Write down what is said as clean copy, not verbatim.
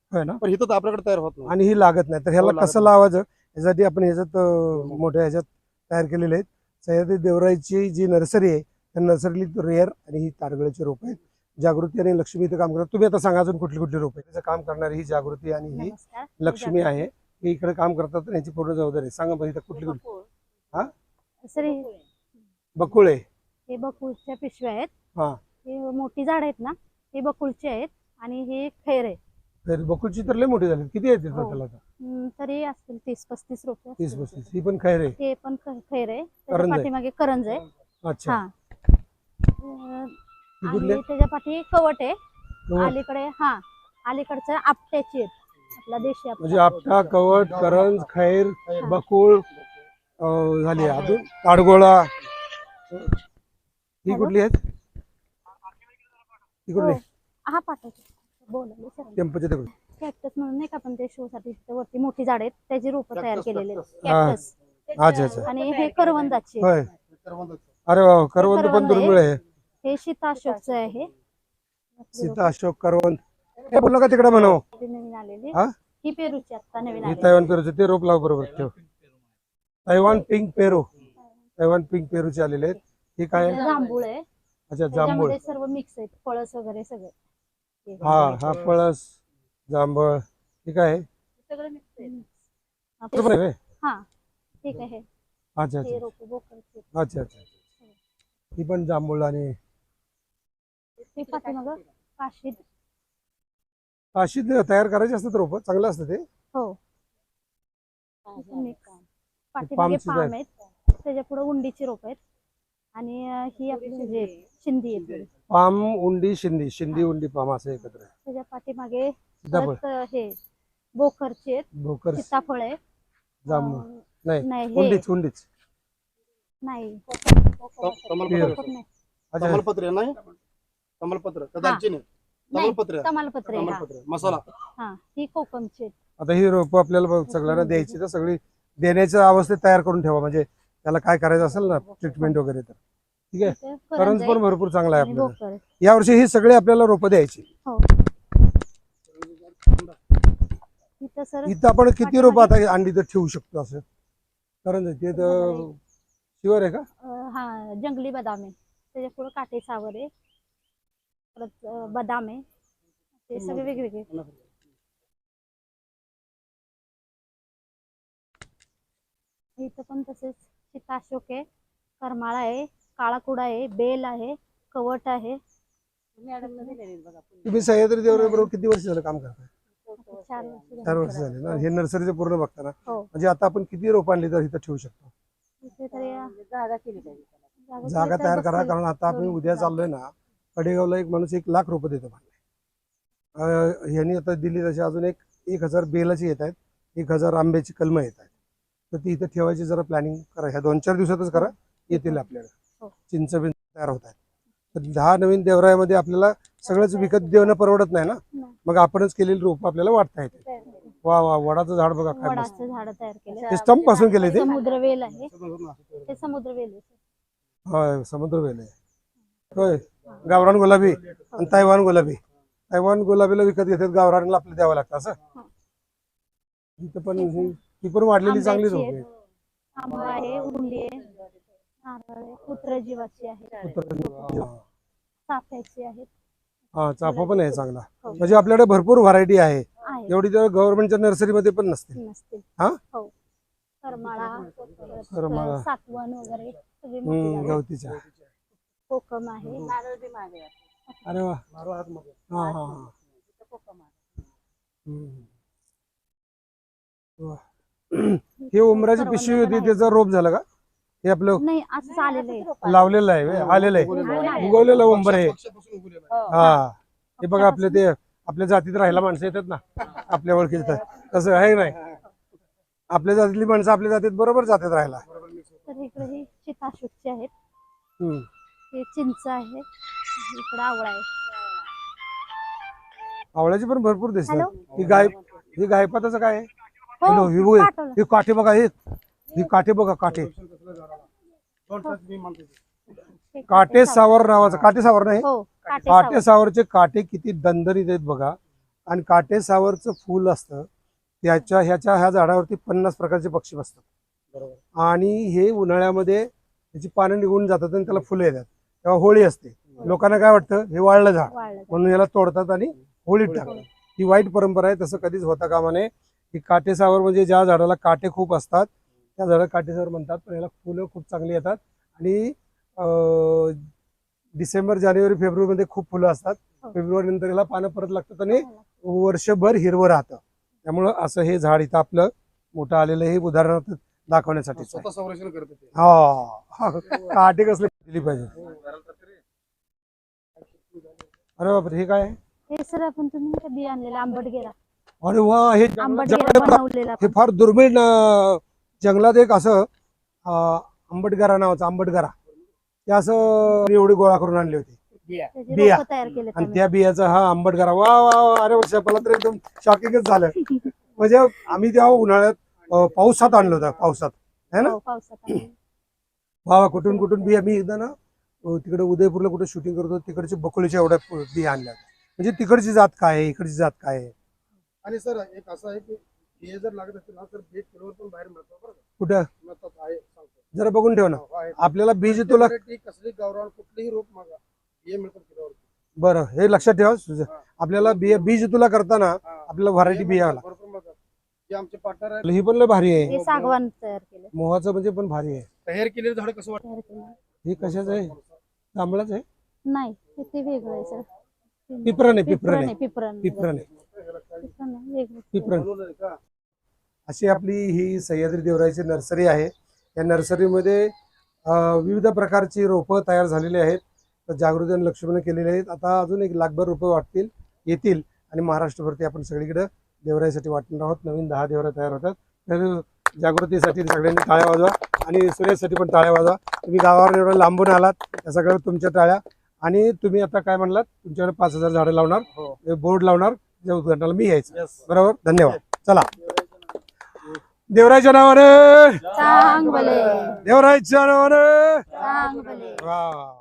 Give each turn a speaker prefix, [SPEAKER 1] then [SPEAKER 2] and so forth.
[SPEAKER 1] होय ना.
[SPEAKER 2] पण इथं तर आपल्याकडे तयार होत नाही.
[SPEAKER 1] आणि ही लागत नाही तर ह्याला
[SPEAKER 2] लागत
[SPEAKER 1] कसं
[SPEAKER 2] नाही.
[SPEAKER 1] लावायचं यासाठी आपण ह्याच्यात मोठ्या ह्याच्यात तयार केलेले आहेत. सह्याद्री देवराईची जी नर्सरी आहे त्या नर्सरीत रेअर आणि ही ताडगळाची रोप आहेत. जागृती आणि लक्ष्मी इथं काम करतात. तुम्ही आता सांगा अजून कुठली कुठली रोप आहे त्याचं काम करणारी ही जागृती आणि ही
[SPEAKER 3] नमस्कार.
[SPEAKER 1] लक्ष्मी आहे. ही इकडे काम करतात आणि यांची पूर्ण जबाबदारी आहे. सांगा बरं इथं कुठली कुठली. हा
[SPEAKER 3] सर
[SPEAKER 1] बकुळे
[SPEAKER 3] हे बकुळच्या पिशव्या आहेत.
[SPEAKER 1] हा
[SPEAKER 3] हे मोठी झाड आहेत ना हे बकुळचे आहेत आणि हे खैर आहे.
[SPEAKER 1] तर बकुळची तर लय मोठी झाली. किती आहेत
[SPEAKER 3] हो.
[SPEAKER 1] टोटल आता?
[SPEAKER 3] तरी असतील 30-35 रोपे
[SPEAKER 1] 30-35. ही पण खैर आहे.
[SPEAKER 3] हे पण खैर आहे. त्याच्या
[SPEAKER 1] करंज आहे.
[SPEAKER 3] पाठीमागे करंज आहे.
[SPEAKER 1] अच्छा
[SPEAKER 3] हा
[SPEAKER 1] ही कुठली
[SPEAKER 3] आणि त्याच्या पाठी कवट आहे.
[SPEAKER 1] कवट?
[SPEAKER 3] अलीकडे अलीकडचं आपट्याची आहेत. आपला देशी
[SPEAKER 1] म्हणजे आपटा कवट करंज खैर बकुळ झाली अजून ताडगोळा. ही कुठली आहेत? ही कुठली?
[SPEAKER 3] हा पाठाची बोलायला सर
[SPEAKER 1] टेम्पोच्या तिकडे.
[SPEAKER 3] कॅक्टस म्हणून नाही का आपण ते शो साठी वरती मोठी झाड आहेत त्याची रोपं तयार केलेली आहेत.
[SPEAKER 1] हा.
[SPEAKER 3] कॅक्टस
[SPEAKER 1] अच्छा अच्छा.
[SPEAKER 3] आणि हे करवंदाची
[SPEAKER 1] होय. अरे वा करवंद पण
[SPEAKER 3] करवंद आहे.
[SPEAKER 1] दुर्मिळ आहे.
[SPEAKER 3] हे सीता अशोकचं आहे.
[SPEAKER 1] सीता अशोक करवंद हे बोललो का तिकडे म्हणावं.
[SPEAKER 3] ती नवीन आलेली
[SPEAKER 1] हा
[SPEAKER 3] ही पेरूची आता नवीन
[SPEAKER 1] हे
[SPEAKER 3] आलेली.
[SPEAKER 1] तैवान पेरूचे ते रोप लाव बरोबर ठेव. तैवान पिंक पेरू. तैवान पिंक पेरूचे आलेले आहेत. हे काय आहे?
[SPEAKER 3] जांभूळ आहे.
[SPEAKER 1] अच्छा जांभूळ.
[SPEAKER 3] त्याच्यामध्ये सर्व मिक्स आहेत फळस वगैरे सगळे.
[SPEAKER 1] हा पळस जांभळ ठीक आहे.
[SPEAKER 3] सगळं मिक्स आहे.
[SPEAKER 1] ते पण आहे व्हय?
[SPEAKER 3] हा ठीक आहे.
[SPEAKER 1] अच्छा
[SPEAKER 3] हे
[SPEAKER 1] अच्छा
[SPEAKER 3] रोप बोकळचे
[SPEAKER 1] अच्छा अच्छा. ही पण जांभूळ आणि
[SPEAKER 3] ते पाठीमागं काशीद.
[SPEAKER 1] अशी तयार करायची असतात रोप चांगलं असतं ते.
[SPEAKER 3] हो मिक्स पाठीमागे
[SPEAKER 1] पामचीच आहे.
[SPEAKER 3] पाम आहेत. त्याच्या पुढे उंडीची रोप आहेत आणि ही आपली जे शिंदी आहे
[SPEAKER 1] पाम उंडी शिंदी शिंदी उंडी पाम असं एकत्र आहे.
[SPEAKER 3] त्याच्या पाठीमागे
[SPEAKER 1] सीताफळ
[SPEAKER 3] परत हे बोखरचे आहेत.
[SPEAKER 1] भोकर
[SPEAKER 3] सीताफळ आहे.
[SPEAKER 1] जांभूळ
[SPEAKER 3] नाही
[SPEAKER 1] नाही
[SPEAKER 3] हे
[SPEAKER 1] उंडीच
[SPEAKER 3] नाही
[SPEAKER 2] कमलपत्र
[SPEAKER 3] कोकम नाही.
[SPEAKER 1] अच्छा
[SPEAKER 2] कमलपत्र नाही. कमलपत्र का दालचिनी?
[SPEAKER 3] नाही,
[SPEAKER 2] कमलपत्र
[SPEAKER 3] तमालपत्र आहे.
[SPEAKER 2] कमलपत्र मसाला.
[SPEAKER 3] हा ही कोकमची आहेत.
[SPEAKER 1] आता ही रोप आपल्याला सगळ्यांना द्यायची तर सगळी देण्याच्या अवस्थेत तयार करून ठेवा म्हणजे त्याला काय करायचं असेल ना ट्रीटमेंट वगैरे तर ठीक आहे.
[SPEAKER 3] इथे
[SPEAKER 1] करंज
[SPEAKER 3] आहे
[SPEAKER 1] पण भरपूर चांगला आहे
[SPEAKER 3] आणि
[SPEAKER 1] आपल्याला.
[SPEAKER 3] भोकर आहे.
[SPEAKER 1] यावर्षी ही सगळी आपल्याला रोपं द्यायची.
[SPEAKER 3] हो इथं सर
[SPEAKER 1] इथं आपण किती रोपं आता अंडी तर ठेवू शकतो असं करंज ते तर शुअर आहे का?
[SPEAKER 3] हा जंगली बदाम आहे. त्याच्या पुढे काटे सावर आहे. परत बदाम आहे. ते सगळे वेगवेगळे. इथं पण तसेच सीता अशोक आहे. करमाळा आहे. काळाकुडा आहे. बेल आहे. कवट आहे.
[SPEAKER 1] तुम्ही सह्याद्री देवराईबरोबर किती वर्ष झालं काम करताय?
[SPEAKER 3] 4 वर्ष
[SPEAKER 1] 4 वर्ष झाले ना. हे नर्सरीचं पूर्ण बघता ना.
[SPEAKER 3] हो
[SPEAKER 1] म्हणजे आता आपण किती रोप आणली तर इथं ठेवू शकतो?
[SPEAKER 3] इथे तरी
[SPEAKER 1] जागा तयार करा कारण आता आपण उद्या चाललोय ना कडेगावला एक माणूस 1 लाख रोपं देतो म्हणले. ह्यांनी आता दिली तशी अजून 1,000 बेलाची येत आहेत. 1,000 आंब्याची कलमं येत आहेत. तर ती इथं ठेवायची जरा प्लॅनिंग करा. ह्या 2-4 दिवसातच करा येतील आपल्याला.
[SPEAKER 3] हो.
[SPEAKER 1] चिंच बिंच तयार होत आहेत. तर 10 नवीन देवरायामध्ये आपल्याला सगळंच विकत देणं परवडत नाही ना.
[SPEAKER 3] नाही.
[SPEAKER 1] मग आपणच केलेली रोप आपल्याला वाटता येते. वा वा वडाचं झाड बघा काय मस्त.
[SPEAKER 3] वडाचं झाड तयार केलं.
[SPEAKER 1] ते स्टंप पासून केले ते.
[SPEAKER 3] समुद्रवेल आहे. ते समुद्रवेल आहे.
[SPEAKER 1] होय समुद्रवेल आहे. होय गावरान गुलाबी आणि तैवान गुलाबी. तैवान गुलाबीला विकत घेतात गावरानला आपल्याला द्यावं लागतं असं. इथं पण ही पण वाढलेली चांगली रोप आहे.
[SPEAKER 3] आंबा आहे. उंडी आहे. नारळ आहे. पुत्र जीवाची आहे. चाफ्याची आहेत.
[SPEAKER 1] हा चाफा पण आहे चांगला.
[SPEAKER 3] हो.
[SPEAKER 1] म्हणजे आपल्याकडे भरपूर व्हरायटी आहे.
[SPEAKER 3] आहे.
[SPEAKER 1] एवढी तर गव्हर्नमेंटच्या नर्सरीमध्ये पण नसते.
[SPEAKER 3] नसतील.
[SPEAKER 1] हा
[SPEAKER 3] हो करमाळा
[SPEAKER 1] करमाळा.
[SPEAKER 3] सातवण वगैरे सगळी मोठी झाडं.
[SPEAKER 1] गवतीच्या.
[SPEAKER 3] कोकम आहे.
[SPEAKER 1] अरे वा हा हा हा. वा. हे उमराची पिशवी होती त्याचा रोप झाला का? हे आपलं
[SPEAKER 3] नाही असं आलेलं आहे.
[SPEAKER 1] लावलेलं आहे व्हय? आलेलं आहे उगवलेलं उंबर आहे. हा हे बघा आपल्या ते आपल्या जातीत राहायला माणसं येतात ना आपल्या ओळखीत तसं आहे नाही. आपल्या जातीतली माणसं आपल्या जातीत बरोबर जातात राहायला.
[SPEAKER 3] तर इकडे ही सीताशोकची आहेत.
[SPEAKER 1] हम्म.
[SPEAKER 3] हे चिंच आहे. इकडे आवळा आहे.
[SPEAKER 1] आवळ्याची पण भरपूर दिसतात.
[SPEAKER 3] हॅलो.
[SPEAKER 1] ही गायपाताचं काय आहे?
[SPEAKER 3] हो,
[SPEAKER 1] हॅलो, ही बघ
[SPEAKER 3] पाठवलं.
[SPEAKER 1] ही काठे बघा ही काठे बघा काठे. काटे सावर नावाचं काटे सावर नाही
[SPEAKER 3] हो
[SPEAKER 1] काटे सावरचे काटे किती दणदणीत आहेत बघा आणि काटेसावरचं फूल असतं ह्या झाडावरती 50 प्रकारचे पक्षी बसतात
[SPEAKER 2] बरोबर.
[SPEAKER 1] आणि हे उन्हाळ्यामध्ये त्याची पानं निघून जातात आणि त्याला फुलं येतात तेव्हा होळी असते. लोकांना काय वाटतं हे वाळलं झाड
[SPEAKER 3] वाळलं
[SPEAKER 1] म्हणून याला तोडतात आणि होळीत टाकतात. ही वाईट परंपरा आहे, तसं कधीच होता कामा नये. ही काटेसावर म्हणजे ज्या झाडाला काटे खूप असतात त्या झाडाला काटेसावर म्हणतात, पण याला फुलं खूप चांगली येतात आणि डिसेंबर जानेवारी फेब्रुवारीमध्ये खूप फुलं असतात.
[SPEAKER 3] हो.
[SPEAKER 1] फेब्रुवारी नंतर याला पानं परत लागतात आणि वर्षभर हिरवं राहतं. त्यामुळं असं हे झाड इथं आपलं मोठं आलेलं हे उदाहरणार्थ दाखवण्यासाठी
[SPEAKER 2] स्वतः संरक्षण करते ते.
[SPEAKER 1] हा काटे कसले दिली पाहिजे. अरे बापरे, हे काय आहे?
[SPEAKER 3] हे सर आपण तुम्ही नाही का बी आणलेला आंबटगेरा
[SPEAKER 1] अरे वा, हे
[SPEAKER 3] आंबटगेरा बनवलेला
[SPEAKER 1] हे फार दुर्मिळ जंगलात एक असं आंबटगरा नावाचं आंबटगरा ते असं एवढी गोळा करून आणली होती
[SPEAKER 3] त्याचे
[SPEAKER 1] बिया.
[SPEAKER 3] रोपं तयार केले
[SPEAKER 1] आणि त्या बियाचा हा आंबटगरा. वा वा वा, अरे वर्षा, मला तर एकदम शॉकिंगच झालं. म्हणजे आम्ही तेव्हा उन्हाळ्यात पावसात आणलं होतं, पावसात है ना.
[SPEAKER 3] पावसात
[SPEAKER 1] वा वा, कुठून कुठून बिया. मी एकदा ना तिकडे उदयपूरला कुठे शूटिंग करत होतो, तिकडचे बकुळीच्या एवढ्या बिया आणल्या होत्या. म्हणजे तिकडची जात काय आहे, इकडची जात काय आहे.
[SPEAKER 2] आणि सर एक असं आहे की हे जर लागत असेल ना तर बीज किलोवर पण बाहेर मिळतं बरं का.
[SPEAKER 1] कुठं
[SPEAKER 2] मिळतात आहे सांगतो.
[SPEAKER 1] जरा बघून ठेव ना.
[SPEAKER 2] हो, आहे.
[SPEAKER 1] आपल्याला बीज तुला
[SPEAKER 2] Variety कसली गावरान कुठलीही रोप मागा हे मिळतात किलोवर.
[SPEAKER 1] बरं, हे लक्षात ठेवा. आपल्याला बीज तुला करताना
[SPEAKER 2] हा.
[SPEAKER 1] आपल्याला व्हरायटी बिया
[SPEAKER 2] मिळतात, भरपूर मिळतात. जे आमचे पार्टनर आहेत
[SPEAKER 1] ही पण लय भारी आहे.
[SPEAKER 3] हे सागवान तयार केले
[SPEAKER 1] मोहाचं म्हणजे पण भारी आहे.
[SPEAKER 2] तयार केलेलं झाड कसं वाटतं.
[SPEAKER 3] तयार केलं
[SPEAKER 1] हे कशाचं आहे? जांभळाच आहे.
[SPEAKER 3] नाही ते वेगळं आहे सर.
[SPEAKER 1] पिपरण आहे, पिपरण आहे,
[SPEAKER 3] पिपरण
[SPEAKER 1] पिपरण आहे,
[SPEAKER 3] पिपरण आहे, वेगळं.
[SPEAKER 1] पिपरण.
[SPEAKER 2] बनवलंय का.
[SPEAKER 1] अशी आपली ही सह्याद्री देवराईची नर्सरी आहे. या नर्सरीमध्ये विविध प्रकारची रोपं तयार झालेली आहेत. तर जागृती आणि लक्ष्मीने केलेली आहेत. आता अजून 1 लाखभर रोपं येतील आणि महाराष्ट्रभरती आपण सगळीकडे देवराईसाठी वाटणार आहोत. नवीन 10 देवरा तयार होतात. तर जागृतीसाठी सगळ्यांनी टाळ्या वाजवा आणि सूर्यासाठी पण टाळ्या वाजवा. तुम्ही गावावर एवढं लांबून आलात, त्या सगळं तुमच्या टाळ्या. आणि तुम्ही आता काय म्हणलात, तुमच्याकडे 5000 झाडं लावणार,
[SPEAKER 2] हो.
[SPEAKER 1] बोर्ड लावणार, त्या उद्घाटनाला मी यायचं.
[SPEAKER 2] Yes.
[SPEAKER 1] बरोबर, धन्यवाद. चला, देवराईच्या नावाने,
[SPEAKER 3] चांग भले
[SPEAKER 1] देवराईच्या नावाने.
[SPEAKER 3] चांग भले.
[SPEAKER 1] वा.